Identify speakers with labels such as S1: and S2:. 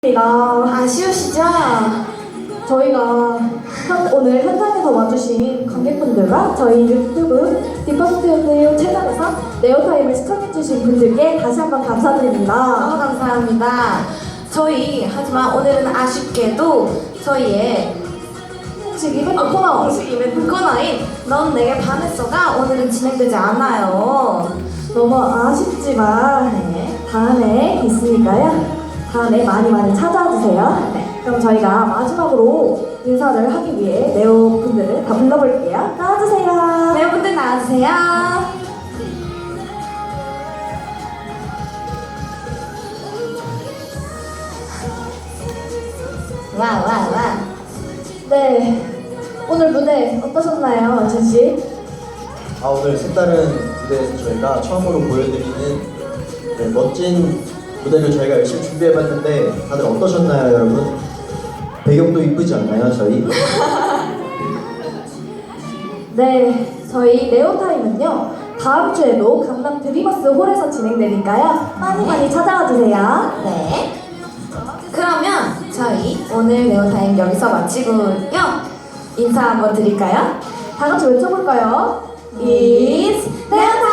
S1: 아쉬우시죠? 저희가 오늘 현장에서 와주신 관객분들과 저희 유튜브 디퍼스트유 채널에서 네오타임을 시청해주신 분들께 다시 한번 감사드립니다.
S2: 너무 감사합니다. 저희 하지만 오늘은 아쉽게도 저희의
S1: 공식 이벤트 코너
S2: 공식 이벤트 코너인 넌 내게 반했어가 오늘은 진행되지 않아요.
S1: 너무 아쉽지만 다음에 있으니까요. 다음에 많이 찾아와 주세요. 그럼 저희가 마지막으로 인사를 하기 위해 네오 분들을 다 불러볼게요. 나와주세요.
S2: 네오분들 나와주세요. 와.
S1: 네, 오늘 무대 어떠셨나요, 제시?
S3: 오늘 색다른 무대에서 저희가 처음으로 보여드리는 멋진 무대를 저희가 열심히 준비해봤는데 다들 어떠셨나요, 여러분? 배경도 이쁘지 않나요, 저희?
S1: 네, 저희 네오타임은요 다음 주에도 강남 드리머스 홀에서 진행되니까요 많이 찾아와 주세요.
S2: 네. 그러면 저희 오늘 네오타임 여기서 마치고요. 인사 한번 드릴까요?
S1: 다 같이 외쳐볼까요?
S2: It's 네오타임!